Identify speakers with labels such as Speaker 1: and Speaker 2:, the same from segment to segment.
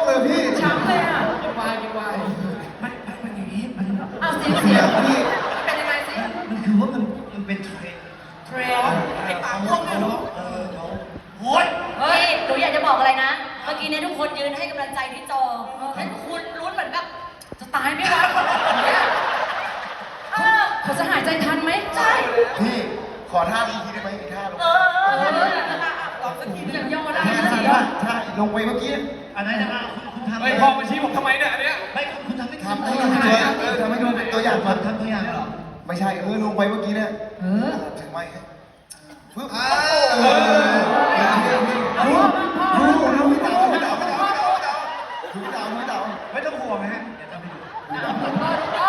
Speaker 1: เลยพี่
Speaker 2: ช้ำเลยอ่ะ
Speaker 3: กินวาย
Speaker 4: มันอย่างนี้มัน
Speaker 2: อ้าวเสียง
Speaker 1: พี่
Speaker 2: เป็นยังไงสิ
Speaker 4: มันคือว่ามันเป็นเทรนด์
Speaker 2: เทรน
Speaker 4: ไอ้ปากม่วงเนี่ยเนาะเขาโอ้ย
Speaker 5: เฮ้ย หนูอยากจะบอกอะไรนะ เมื่อกี้เนี่ยทุกคนยืนให้กำลังใจที่จอแล้วคุณลุ้นเหมือนแบบจะตายไหมวะเนี่ยเออ
Speaker 2: เขาจะหายใจทันไหม
Speaker 5: ใช่
Speaker 1: พี่ขอท่าอีกทีได้ไหมอีกท่าลง
Speaker 2: ลองสักทีอย่างย่อได้
Speaker 1: ท่าลงไปเมื่อกี้
Speaker 4: อันนั้นนะคุณทำ
Speaker 3: เฮ้ยพ่อมาชี้ผมทำไมเนี่ยอันเนี้ย
Speaker 4: ไม่คุณทำไม่
Speaker 1: ทำให้ดูทำให้ดูตัวอย่างก่อน
Speaker 4: ทำตัวอย่างได้หรอ
Speaker 1: ไม่ใช่ลงไปเมื่อกี้เนี่ย ถึงไหมปึ๊บรู้พี่เต๋าไม่ต้องห่วงนะฮะเดี๋ยวทำให้ดู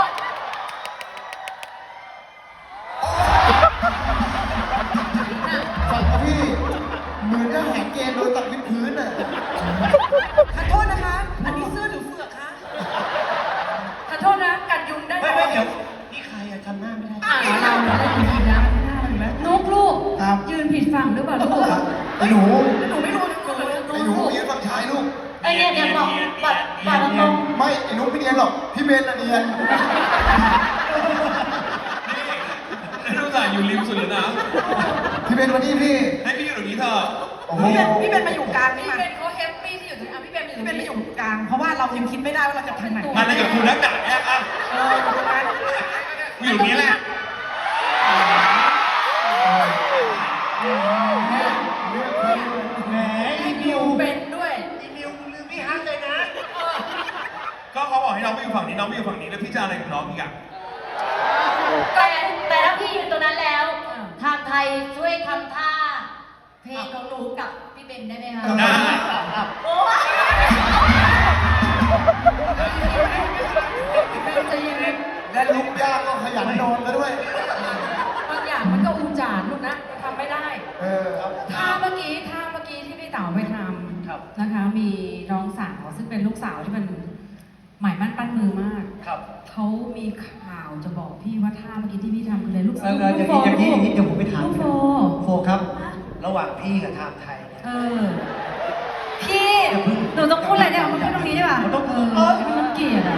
Speaker 1: ฟังพี่เหมือนจะแหกเกณฑ์โดนตัดวิดพื้นอ่ะ
Speaker 2: ขอโทษนะคะ อันนี้เสื้อหรือเฟือกคะขอโทษนะกัดยุงได้ไหม
Speaker 4: ไม่เดี๋ยวนี่ใครอะจำหน้าไม่ได้
Speaker 2: เราได้ยินดีนะนุกลูกยืนผิดฝั่งหรือเปล่าลูก
Speaker 1: ไอ้หนู
Speaker 2: หนูไม่รู้
Speaker 1: ไอ้หนูยืนฝั่งชายลูก
Speaker 5: ไอเนี่ยบอกบัตรตรง
Speaker 1: ไม่ไอ้หนูไม่เนียนหรอกพี่เบนน่ะเนียน
Speaker 3: นี่ดูจ่ายอยู่ริมสุดเลยนะ
Speaker 1: พี่เบนวันนี้พี่
Speaker 3: ให้พี่อยู่ตรงนี้เถอะ
Speaker 1: โอ้โห
Speaker 2: พี่เป็นมาอยู่กลางนี่มาพี่เป็นเขาแฮปปี้ที่อยู่ตรงนี้พี่เป็นมาอยู่กลาง เพราะว่าเรายังคิดไม่ได้ว่าเราจะทางไหน
Speaker 3: มันอะไรกับคุณนักหนาเนี่ยอ่ะกูอยู่ตรงนี้แหละ
Speaker 4: แหมอีมิ
Speaker 2: อยู่
Speaker 4: ว
Speaker 2: เป็นด้วย
Speaker 4: อีมิวลืมพี่ฮัทเลยนะ
Speaker 3: ก็เขาบอกให้น้องไปอยู่ฝั่งนี้น้องไปอยู่ฝั่งนี้แล้วพี่จะอะไรกับน้องอีกอ่ะ
Speaker 5: แต่ถ้าพี่อยู่ตรงนั้นแล้ว ทางไทยช่วยทำท่า เพลงของหนูกับพี่เบนได้ไหมคะ
Speaker 3: ได้
Speaker 5: โอ้ย
Speaker 2: จะยังไง
Speaker 1: และลุกยากก็ขยันนอนแล้วด้วย
Speaker 2: บางอย่างมันก็อุจารลูกนะทำไม่ได้
Speaker 1: ครับ
Speaker 2: ท่าเมื่อกี้ที่พี่เต๋าไปทำนะคะ มีน้องสาวซึ่งเป็นลูกสาวที่มันหมายมั่นปั้นมือมาก
Speaker 4: ครับ
Speaker 2: เขามีข่าวจะบอกพี่ว่าท่าเมื่อกี้ที่พี่ทำคืออะไรลูก
Speaker 4: เดี๋ยวผมไปถาม
Speaker 2: ลูกโฟ
Speaker 4: โฟครับ ระหว่างพี่กับทางไทยเนี่ย
Speaker 5: พี่ หนูต้องพูดอะไรเนี่ยมาพูดตรงนี้ดีกว่า
Speaker 4: มันต้อง
Speaker 2: พี่น้องเกียรติอ่ะ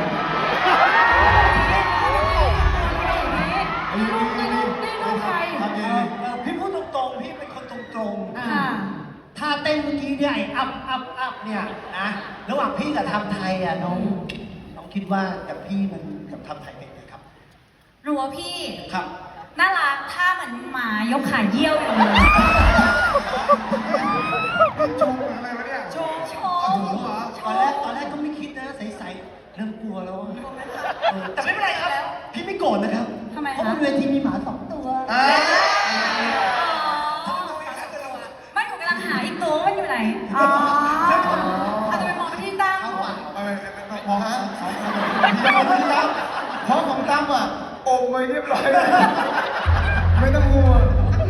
Speaker 2: นี่ลูกใคร
Speaker 1: ทำดี
Speaker 4: พี่พูดตรงๆ พี่เป็นคนตรง
Speaker 2: ค่ะ
Speaker 4: ๆ ถ้าเต้นเมื่อกี้เนี่ยไอ้อัพเนี่ยนะระหว่างพี่กับทำไทยอ่ะน้องคิดว่ากับพี่มันกับทำไทยเป็นไงครับ
Speaker 5: หนูว่าพี่
Speaker 4: ครับ
Speaker 5: น่ารักท่าเหมือนหมายกขาเยี่ยวอยู่เลย
Speaker 1: ชมอะไรวะเนี่ย
Speaker 5: โชว์โช
Speaker 1: โอ้
Speaker 5: ว์
Speaker 1: โหเหรอ
Speaker 4: ตอนแรกก็ไม่คิดนะใสๆเริ่มกลัวแล้วอะแต่ไม่เป็นไรครับ พี่ไม่โกรธนะครับ
Speaker 2: ทำไม
Speaker 4: เพราะ
Speaker 2: คะ
Speaker 4: บนเวทีมีหมา2 ตัว
Speaker 5: ไม่หนูกำลังหาอีกตัวว่ามันอยู่ไหน
Speaker 2: อ๋ออาจจะไปมองไปที่ตั้ง
Speaker 1: มองฮะเพราะของตั้มอ่ะอมไว้เรียบร้อยแล้วไม่ต้องห่วง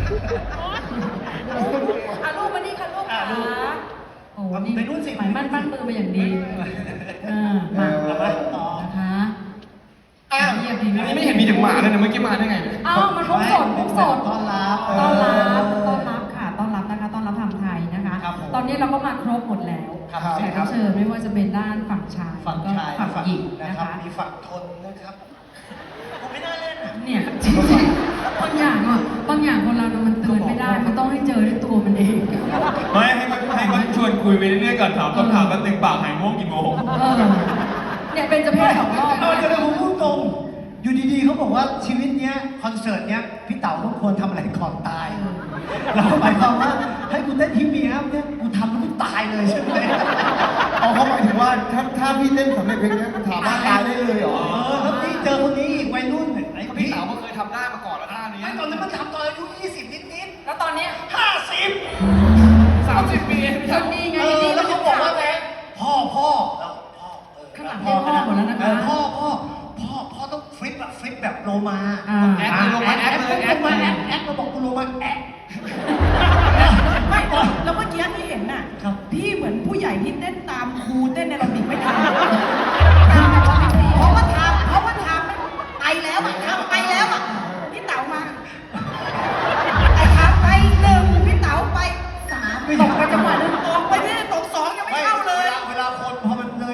Speaker 2: ลูกมานี่ค่ะลูกขาโอ้โหนี่
Speaker 4: ไปนู่นสิ
Speaker 2: หมายมั่นปั้นมือมาอย่างดีมา
Speaker 4: เอาไปต่อ
Speaker 2: นะคะ
Speaker 1: อ้าว
Speaker 2: เยียบดี
Speaker 3: อันนี้ไม่เห็นมีถึงหมาเลยนะเมื่อกี้มาได้ไงเนี่ย
Speaker 2: อ้าวมันพกสดพกสด
Speaker 4: ต้อนรับ
Speaker 2: ค่ะต้อนรับนะคะต้อนรับทำไทยนะคะ
Speaker 4: ครับผม
Speaker 2: ตอนนี้เราก็มาครบหมดแล้ว
Speaker 4: ครับ
Speaker 2: แขกรับเชิญไม่ว่าจะเป็นด้านฝั่งชาย
Speaker 4: ฝั่งชาย
Speaker 2: ฝั่งหญิง
Speaker 4: นะ
Speaker 2: นะ
Speaker 4: ครั
Speaker 2: คะ
Speaker 4: บมีฝั่งทนนะครับผมไม่น่าเล่นนะ
Speaker 2: เนี่ยจริงๆบางอย่างคนเรามันเตือนไม่ได้ มันต้องให้เจอด้วยตัวมันเอง
Speaker 3: ไม่ให้เขาชวนคุยไปเรื่อยๆก่อนถามคำถามแป๊บนึงปากหายง่วงกี่โมง
Speaker 2: เนี่ยเป็นจะเพศสองรอบ
Speaker 4: เดี๋ยวผมพูดตรง อยู่ดีๆเขาบอกว่าชีวิตเนี้ยคอนเสิร์ตเนี้ยพี่เต๋าต้องควรทำอะไรก่อนตายเราหมายความว่าให้กูเต้นทีมีครับเนี่ยกูทำแล้วกูตายเลยใช่ไหม
Speaker 1: เอาเขาหมายถึงว่าถ้าพี่เต้นสำเร็จเพลงนี้ถามว่าตายได้เลยเหรอ
Speaker 4: แล้วนี่เจอคนนี้อีกวัยรุ่นไอ้
Speaker 3: พี่
Speaker 4: พี่
Speaker 3: สาวก็เคยทำได้มาก่อนแล้วท่านี้
Speaker 4: ไอ้ตอนนั้นมันทำตอนอายุ20 นิด
Speaker 2: แล้วตอนนี้
Speaker 4: ๆ50
Speaker 3: 30 ปีเอง
Speaker 2: คนนี้ไง
Speaker 4: แล้วเขาบอกว่าไงพ่อแล้วพ่อ
Speaker 2: ข้างหลังเรียกพ่อหมดแล้วนะคะ
Speaker 4: พ่อต้องฟลิปแบบโลมา
Speaker 3: แอคเลยลงมาแอคเลยแอค
Speaker 4: มาแอคเราบอกกูโลมาแอค
Speaker 6: ไม่แล้วเมื่อกี้ที่เห็นน่ะ
Speaker 4: ครับ
Speaker 6: พี่เหมือนผู้ใหญ่ที่เต้นตามครูเต้นในระเบียบไม่ทัน
Speaker 5: เพราะว่าทำไปแล้วอะทำไปแล้วอะ
Speaker 6: พี่เต๋ามาไอ้ครับไป1พี่เต๋าไป3ตกไปจังหวะนึงตกไปที่ตก2ยังไม่เข้าเลย
Speaker 4: เวลาคนพอมันเลย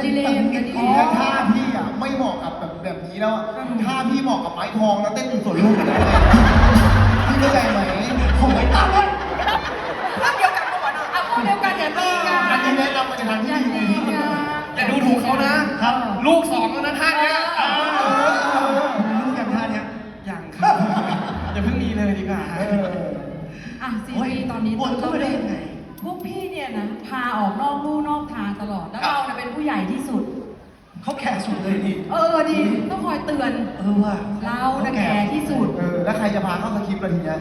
Speaker 2: ดีเลยจะดี
Speaker 1: แล้วท่าพี่อ่ะไม่เหมาะกับแบบนี้แล้วท่าพี่เหมาะกับไม้ทองแล้วเต้นอยู่สวนลุมพี่เข้าใจไหม
Speaker 4: ผมไม่ตามเลย
Speaker 6: ภาพเดียวกันปะวะเนาะ
Speaker 2: เอาพูดเดียวกันอย่าตีกัน
Speaker 1: อันนี้แนะนำมาจากทาง
Speaker 2: อ
Speaker 1: ที่
Speaker 2: ย่า
Speaker 1: ดี
Speaker 2: ตีกัน
Speaker 3: อย่าดูถูกเขานะ
Speaker 4: ครับ
Speaker 3: ลูกสองแล้วนะท่านเนี่ย
Speaker 4: รู้กันท่าเนี้ย
Speaker 3: อย่างครับอย่าเพิ่งมีเลยดีกว่า
Speaker 2: อ่ะซีรีส์ตอนนี้
Speaker 4: วนเข้าไปได้ยังไง
Speaker 2: พวกพี่เนี่ยนะพาออกนอกลู่นอกทางตลอดแล้วเราเนี่ยเป็นผู้ใหญ่ที่สุด
Speaker 4: เขาแก่สุดเลยนี่
Speaker 2: ดีต้องคอยเตือน
Speaker 4: ว่ะ
Speaker 2: เราน่ะแก่ที่สุด
Speaker 1: แล้วใครจะพาเข้าสคริปต์ล่ะทีเนี้ย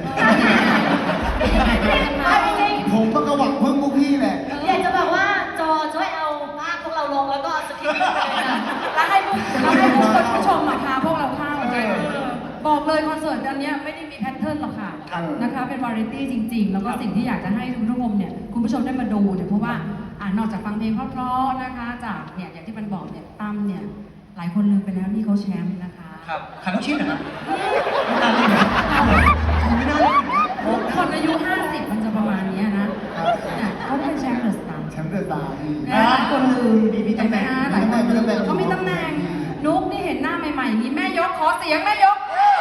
Speaker 5: จริง
Speaker 1: ผมก็หวังพึ่งพวกพี่แหละ
Speaker 5: อยากจะบอกว่าจอช่วยเอาภาพพวกเราลงแล้วก็สคริปต์เลยนะ
Speaker 2: แล้วให้ผู้ชมมาพาพวกเราเข้าบอกเลยคอนเสิร์ตอันเนี้ยไม่ได้มีแพทเทิร์นหรอกค่ะนะคะเป็นวาไรตี้จริง ๆ แล้วก็สิ่งที่อยากจะให้คุณผู้ชมเนี่ยคุณผู้ชมได้มาดูเนี่ยเพราะว่านอกจากฟังเพลงเพราะๆนะคะจากเนี่ยอย่างที่มันบอกเนี่ยตั้มเนี่ยหลายคนลืมไปแล้วนี่เขาแชมป์นะคะ
Speaker 4: ครับขันต้องชิ้นนะครับไม่น่าเล่นนะไม่น่าเล่นนะ
Speaker 2: คนอายุ 50 มันจะประมาณเนี้ยนะเนี่ยเขาเป็นแชมป์เดอะสตาร์
Speaker 1: แชมป์เดอะสตาร์พี่
Speaker 2: หลายคนลืม
Speaker 4: มีตำแหน่ง
Speaker 2: หลายคนลืมเขามีตำแหน่งนุ๊กนี่เห็นหน้าใหม่ๆอย่างนี้แม่ยกขอเสียงแม่ยก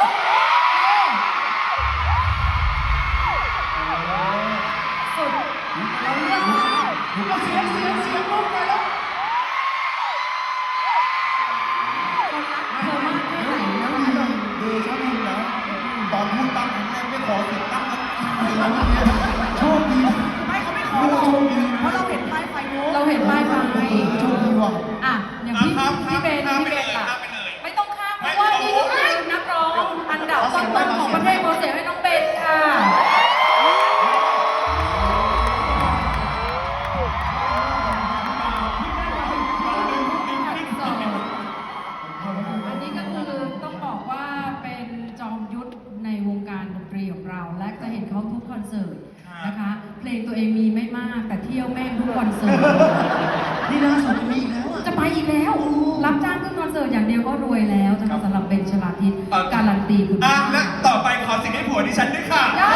Speaker 2: สุดเราเลือก
Speaker 4: เสียงลูกเลยแล้ว
Speaker 2: คนรักเธอมากแค่ไหนนะ
Speaker 1: เดชะบุญนะตอนพูดตั้งครั้งแรกไม่ขอเสียงตั้งโชคดี
Speaker 6: ไม่เขาไม่ขอหรอก
Speaker 1: โชคดี
Speaker 6: เพราะเราเห็นป้ายไฟนู้น
Speaker 2: เราเห็นป้ายไฟ
Speaker 1: โชคดีว่ะ
Speaker 2: อ่ะอย่างพี่เบนล่ะไม่ต้องข้ามเพราะว่านี่ก็คือนักร้องอันดับต้นๆของประเทศขอเสียงให้น้องเบนค่ะอันนี้ก็คือต้องบอกว่าเป็นจอมยุทธในวงการดนตรีของเรา และจะเห็นเขาทุกคอนเสิร์ตนะคะ เพลงตัวเองมีไม่มากแต่เที่ยวแม่งทุกคอนเสิร์ต
Speaker 4: นี่ล่าสุดมีอีกแล้วอ่ะ
Speaker 2: จะไปอีกแล้ว รับจ้างขึ้นคอนเสิร์ตอย่างเดียวก็รวยแล้วนะคะสำหรับเบนชลาทิศการันตีคุณ
Speaker 3: อ่ะ
Speaker 2: ภาพ
Speaker 3: และต่อไปขอสิ่งให้ผัวดิฉันด้วยค่ะ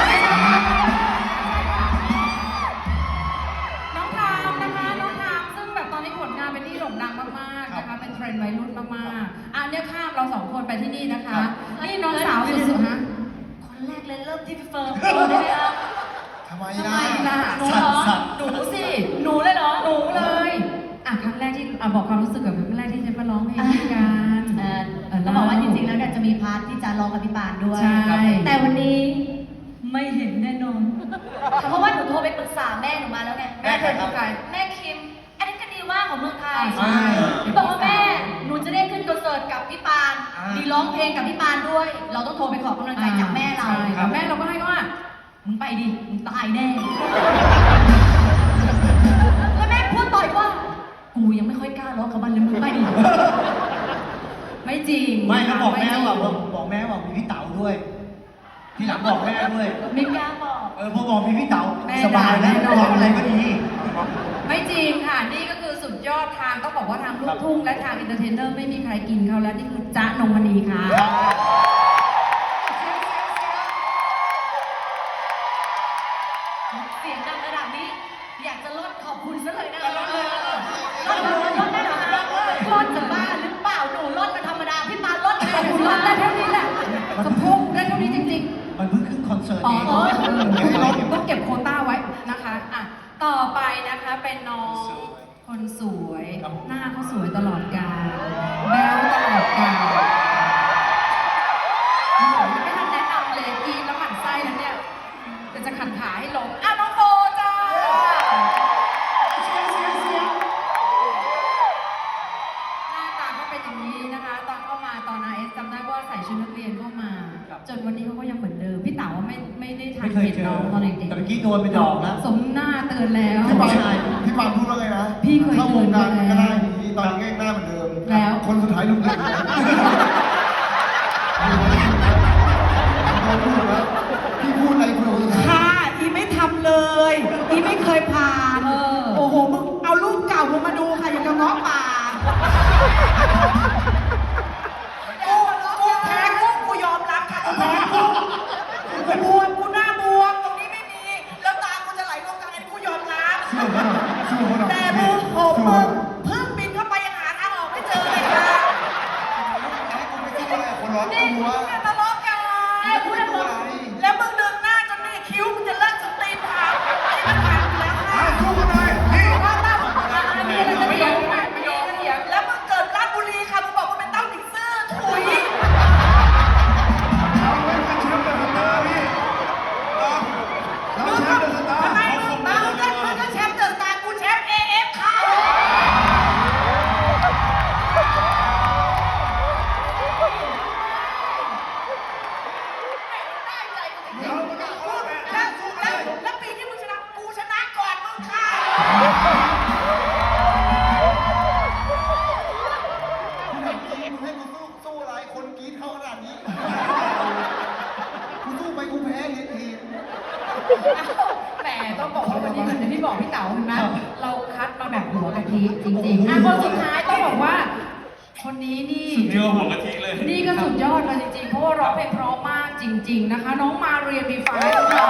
Speaker 2: น้องทามนะคะน้องทามซึ่งแบบตอนนี้ผลงานเป็นที่โด่งดังมากๆนะคะเป็นเทรนด์วัยรุ่นมากๆอ่ะเนี่ยข้ามเราสองคนไปที่นี่นะคะ นี่น้องสาวสุดๆฮะ
Speaker 5: คนแรกเลยเริ่มที่พี่เฟิร์มได้ไหมครับ
Speaker 1: ทำไม
Speaker 2: ทำ
Speaker 1: ล่ะ
Speaker 2: ไมล่ะ
Speaker 5: หนูเหรอ
Speaker 2: หนูสิ
Speaker 5: หนูเลยเหรอ
Speaker 2: หนูเลยอ่ะครั้งแรกที่บอกความรู้สึกกับครั้งแรกที่จะมาร้องเพลงด้วยกัน
Speaker 5: ต้องบอกว่าจริงๆ แล้วเนี่ยจะมีพาร์ทที่จะร้องกับพี่ปานด้วย
Speaker 2: ใช่
Speaker 5: แต่วันนี้ไม่เห็นแน่นอน เพราะว่าหนูโทรไปปรึกษาแม่หนูมาแล้วไง
Speaker 2: แม่เคยเป็นใคร
Speaker 5: แม่คิม อันนี้ก็ดีว่าของเมืองไทย
Speaker 2: ใช่
Speaker 5: บอกว่าแม่ หนูจะได้ขึ้นคอนเสิร์ตกับพี่ปาน มีร้องเพลงกับพี่ปานด้วย เราต้องโทรไปขอกำลังใจจากแม่เรา
Speaker 2: ใช่แล้วแม่เราก็ให้ว่า
Speaker 5: มึงไปดิ มึงตายแน่ แล้วแม่พูดต่อยว่า กูยังไม่ค่อยกล้าร้องกับมันเลยมึงไปดิ
Speaker 2: ไม่จริง
Speaker 4: ไม่ก็บอกแม่
Speaker 2: ไจริง
Speaker 4: ว่าบอกแม่ว่ามีพี่เต๋าด้วย ทีหลังบอกแม่ด้วย
Speaker 5: ไม่กล้าบอก
Speaker 4: พอบอกมีพี่เต๋า
Speaker 2: แม่
Speaker 4: สบายแล้ว
Speaker 2: ด่า
Speaker 4: ร้องอะไรก็ดี
Speaker 2: ไม่จริงค่ะ นี่ก็คือสุดยอดทางต้องบอกว่าทางลูกทุ่งและทางอินเตอร์เทนเนอร์ไม่มีใครกินเขาแล้วนี่คือจ๊ะนงมณีค่ะ
Speaker 5: เสียงดังระดับนี้ อยากจะลดขอบคุณซะเลยนะลดได้เหรอคะลดจะบ้าหรือเปล่าหนูลดมันธรรมดาพี่ปานลด
Speaker 2: ขอบคุณมากได้เท่านี้แหละสะโพกได้เท่านี้จริง
Speaker 4: มันเพิ่งขึ้นคอนเสิร์ต
Speaker 2: ๆ อ๋อ
Speaker 4: เอง
Speaker 2: ต้องเก็บโควต้าไว้นะคะอ่ะต่อไปนะคะเป็นน้องคนสวย หน้าเขาสวยตลอดกาลแบ๊วตลอดกาลโอ้โหยังไม่ทันแนะนำเลยอีแล้วหมั่นไส้แล้วเนี่ยเดี๋ยวจะขันขาให้ลงอ่ะน้องโบจ้า หน้าตาก็เป็นอย่างนี้นะคะ ตอนเข้ามาตอนRSจำได้ว่าใส่ชุดนักเรียนเข้ามา จนวันนี้เขาก็ยังเหมือนเดิม พี่เต๋าไม่ได้ทั
Speaker 4: ไม่
Speaker 2: น
Speaker 4: เคย
Speaker 2: เห็น
Speaker 4: เจอ
Speaker 2: น้องตอนเด็ก
Speaker 4: แต่เมื่อกี้โดนไปดอกแล้ว
Speaker 2: ๆสมหน้าเตือนแล้ว
Speaker 1: พี่ปานพูดว่าไงนะ
Speaker 2: พี่เคย
Speaker 1: เข้าวงการ
Speaker 2: เตือน
Speaker 1: ก็
Speaker 2: มา
Speaker 1: ได้
Speaker 2: แล้ว
Speaker 1: นี้ตอนนี้ก็ยังหน้าเหมือนเดิม
Speaker 2: แล้ว
Speaker 1: คนสุดท้ายลุกเลยพี่พูดอะไรคนสุดท้าย
Speaker 6: ค่ะ อีไม่ทำเลย อีไม่เคยผ่าน โอ้โห มึงเอารูปเก่ามึงมาดูค่ะ อย่างกับง้อป่า กูแพ้กูยอมรับค่ะกูแพ้กูบวมกูหน้าบวมตรงนี้ไม่มี แล้วตากูจะไหลลงกลางอันนี้กูยอมรับ
Speaker 1: สู้เขาหน่อย
Speaker 6: แต่มึงโหมึงเพิ่งบินเข้าไปยังหา
Speaker 1: ลัว
Speaker 6: อย่าทะเลาะกัน
Speaker 1: พูดอะไร
Speaker 6: แล้วมึงดึงหน้าจนนี่คิ้วมึงจะเลิกสตรีมผ่านไอ้มันผ่านอยู่แล้วค่ะ
Speaker 1: สู้กันหน่อยนี่
Speaker 6: ว่าตั้ม
Speaker 2: มีอะไรจะเถียงไหมไม่ยอมเถียง
Speaker 6: แล้วมึงเกิดราชบุรีค่ะมึงบอกว่าเป็นเต้าหนิงซื่อถุย
Speaker 1: เราเป็นแชมป์เดอะสตาร์พี่เราแชมป์เดอะสตาร์
Speaker 6: ทำไมมึงก็แชมป์เดอะสตาร์กูแชมป์ AF ค่ะ
Speaker 5: ได้ใจกูจริง
Speaker 1: เราไม่ต้องขอแม่สู้กันเลย
Speaker 6: แล้วปีที่มึงชนะกูชนะก่อนมึงค่ะ
Speaker 1: คุณถามจริงมึงให้กูสู้อะไรคนกรี๊ดเข้าขนาดนี้กูสู้ไปกูแพ้เห็น
Speaker 2: แหมต้องบอกว่าวันนี้เหมือนที่บอกพี่เต๋าเห็นไหมเราคัดมาแบบหัวกะทิจริงๆคนสุดท้ายต้องบอกว่า คนนี้นี่
Speaker 3: เนื้อหัวกะทิเลย
Speaker 2: นี่ก็สุดยอดเลยจริงๆ เพราะว่าร้องเพลงเพราะมากจริง ๆนะคะ น้องมาเรียนดีไฟค่ะ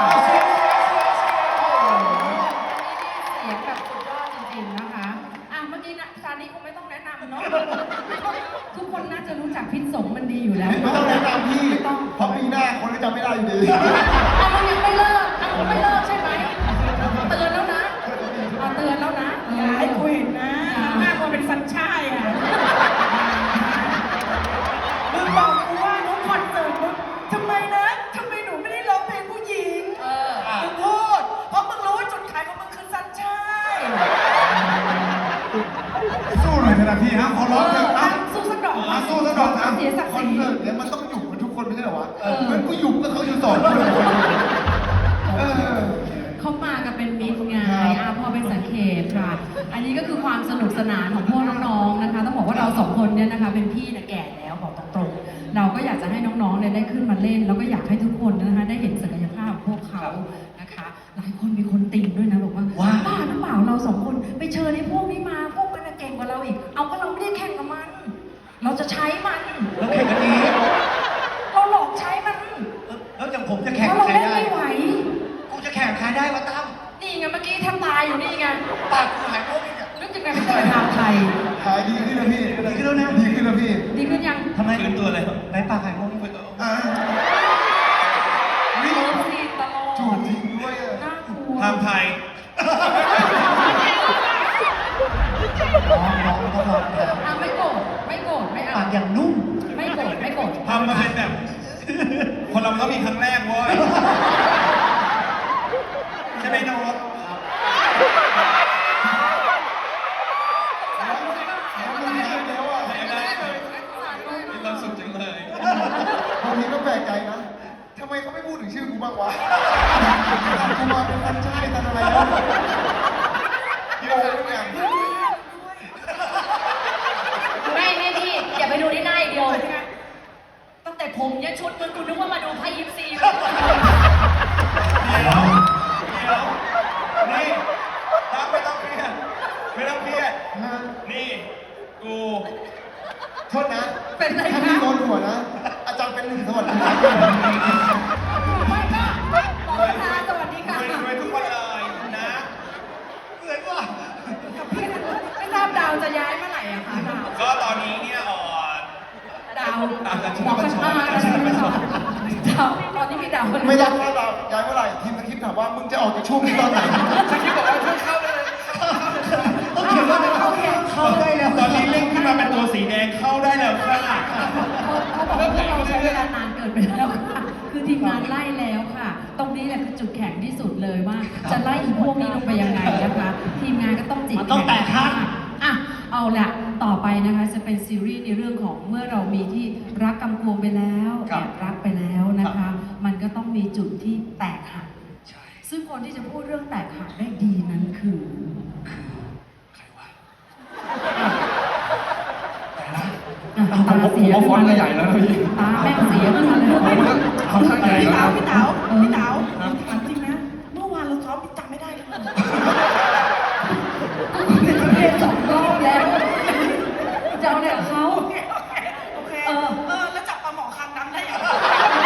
Speaker 2: เสียงแบบสุดยอดจริงๆนะคะเมื่อกี้นะซานี้คงไม่ต้องแนะนำเนาะทุกคนน่าจะรู้จักพิษสงมันดีอยู่แล้ว
Speaker 1: ไม่ต้องแนะนำพี่
Speaker 2: ไม่ต้อง
Speaker 1: เพราะปีหน้าคนก็จำไม่ได้อยู่ดี
Speaker 2: มันยังไม่เลิกมันไม่เลิกใช่ไหมเตือนแล้วนะเตือนแล้วนะ
Speaker 6: อย่าให้กูเห็นนะหน้ากูเป็นฟันช่ายอ่ะมึงบอกกูว่าน้องคอนเสิร์ตมึงทำไมนะทำไมหนูไม่ได้ร้องเพลงผู้หญิงมึงพูดเพราะมึงรู้ว่าจุดขายของมึงคือซันช่าย
Speaker 1: สู้หน่อยเถอะนะพี่ฮะขอร้องเถอะอ่ะ
Speaker 2: สู้สักดอก
Speaker 1: อ่ะสู้ซะหน่อยนะ
Speaker 2: เสียศักดิ์
Speaker 1: คอ
Speaker 2: ศ
Speaker 1: น
Speaker 2: รี
Speaker 1: เสิร์ตเนี่ยมันต้องหยุดกันทุกคนไม่ใช่เหรอวะเหมือนกูหยุดก็เขาอยู่สอนคนเออ
Speaker 2: เขามากันเป็นมิตรไงพอเป็นสังเขตค่ะ อันนี้ก็คือความสนุกสนานของพวกน้องๆนะคะ ต้องบอกว่าเราสองคนเนี่ยนะคะเป็นพี่นะแก่แล้วบอกตรงๆเราก็อยากจะให้น้องๆเนี่ยได้ขึ้นมาเล่น แล้วก็อยากให้ทุกคนนะคะได้เห็นศักยภาพของพวกเขานะคะ หลายคนมีคนติงด้วยนะบอกว่าบ้าหรือเปล่าเราสองคนไปเชิญไอ้พวกนี้มาพวกมันน่ะเก่งกว่าเราอีก เอาก็เราไม่ได้แข่งกับมัน เราจะใช้มัน
Speaker 4: แล้วแข่งกันนี้
Speaker 2: เราหลอกใช้มัน
Speaker 4: แล้วอย่างผมจะ
Speaker 2: เพ
Speaker 4: แข่ง
Speaker 2: ราะ
Speaker 4: กับ
Speaker 2: เรา
Speaker 4: ใคร
Speaker 2: เล่น
Speaker 4: ได้
Speaker 2: ไม่ไหว
Speaker 4: กูจะแข่งใครได้วะตั้ม
Speaker 2: นี่ไงเมื่อกี้แทบตายอยู่นี่ไง
Speaker 4: ปากกูหายโรคอีกเนี่ย
Speaker 2: นึกยังไงเป็นตัวทางไทย
Speaker 1: หายดีขึ้นแล้วพี่
Speaker 4: ดีขึ้นแล้วนะ
Speaker 1: ดีขึ้นแล้วพี่
Speaker 2: ดีขึ้นยัง
Speaker 4: ทำไม
Speaker 3: ฟื้นตัวเลย
Speaker 4: ไหนปากหายโรคอีก
Speaker 1: อ่ะ
Speaker 2: โอ้ดีตลอ
Speaker 1: จู
Speaker 2: ด
Speaker 1: บจริงด้วยอ่ะ
Speaker 2: น่ากลัว
Speaker 3: ห้ามไทย
Speaker 4: น้องก็ลองถาม
Speaker 2: ไม่โกรธไม่โกรธไม่เอา
Speaker 4: ปากอย่างนุ่ม
Speaker 2: ไม่โกรธไม่โกรธ
Speaker 3: ทำมาเป็นแบบ คนเรามันต้องมีครั้งแรกเว้ยใช่ไหมโน้ต
Speaker 1: แล้วมันหายแล้วอ่ะ
Speaker 3: ได้เลยมีความสุขจังเลย
Speaker 1: บางทีก็แปลกใจนะทำไมเขาไม่พูดถึงชื่อกูบ้างวะกูมาเป็นคนใช่ทันอะไรแล้วโง่ทุกอย่าง
Speaker 5: ไม่พี่อย่าไปดูที่หน้าอย่างเดียวตั้งแต่ผมยันชุดมึงกูนึกว่ามาดูไพ่ยิปซีเลย
Speaker 3: นี่ตั้งไม่ต้องเครียดไม่ต้องเครียด นี่ กู
Speaker 1: โทษนะ
Speaker 2: เป็นไร
Speaker 1: ถ้า
Speaker 2: คะ
Speaker 1: พี่โดนหัวนะ อาจารย์เป็นหนึ่งสวัสดีครับ
Speaker 2: ไม่ก็ขอประธานสวัสดีค่ะ
Speaker 3: รวยทุกคนเลยนะ
Speaker 4: เหมือนว่า
Speaker 2: กับพี่ไม่ทราบดาวจะย้ายเมื่อไหร่อะคะดาว
Speaker 3: ก็ตอนนี้เนี่ย
Speaker 2: ดาว
Speaker 3: ตามกัน
Speaker 2: หมอกันมาดาวตอนนี้มีดาว
Speaker 1: ไม่รับแล้วเราย้ายเมื่อไหร่ทีมนักคิดถามว่ามึงจะออกจากช่วงนี้ตอนไหน
Speaker 3: ฉันคิดบอกว่าช่วยเข้าเลย
Speaker 4: ต้องเขียนว่าอะไร
Speaker 2: โอเค
Speaker 4: เข้าได้แล้ว
Speaker 3: ตอนนี้เล่นขึ้นมาเป็นตัวสีแดงเข้าได้แล้วค่ะ
Speaker 2: เขาบอกว่าพวกเราใช้เวลานานเกินไปแล้วค่ะคือทีมงานไล่แล้วค่ะ ตรงนี้แหละคือจุดแข็งที่สุดเลยว่า จะไล่อีพวกนี้ลงไปยังไงนะคะ ทีมงานก็ต้องจิต
Speaker 4: มันต้องแตกหัก
Speaker 2: อ่ะเอาละต่อไปนะคะจะเป็นซีรีส์ในเรื่องของเมื่อเรามีที่รักกำกวงไปแล้วแอบรักไปแล้วนะคะ มันก็ต้องมีจุดที่แตกหัก ซึ่งคนที่จะพูดเรื่องแตกหักได้ดีนั้นคือ
Speaker 3: ใครวะ
Speaker 2: ตาเสีย
Speaker 7: ผมว่าฟอนต์ก็ใหญ่แล้วนะพี่
Speaker 2: ตาแม่งเสียขึ้นมาเลย
Speaker 7: ค่อนข้างใหญ่
Speaker 6: พี่
Speaker 7: แล้ว
Speaker 6: เต๋า
Speaker 7: ครับ
Speaker 6: พี่เต๋าถามจริงนะ เมื่อวานเราซ้อมพี่จำไม่ได้เลย
Speaker 2: เป็นเพลงสองรอบแล้วจะเอาเนี่ยเขา
Speaker 6: โอเคแล้วจับปลาหมอคางดำได้ยังไง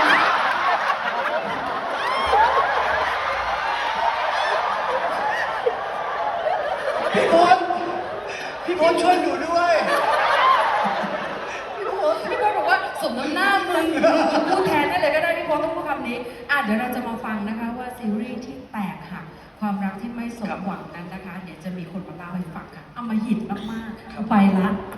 Speaker 4: พี่พลพี่พลช่วยหนูด้วย
Speaker 2: พี่บอลบอกว่าสมน้ำหน้ามึงนี้เดี๋ยวเราจะมาฟังนะคะว่าซีรีส์ที่แตกหักความรักที่ไม่สมหวังนั้นนะคะเดี๋ยวจะมีคนมาเล่าให้ฟังค่ะเอามาหินมากๆไปละ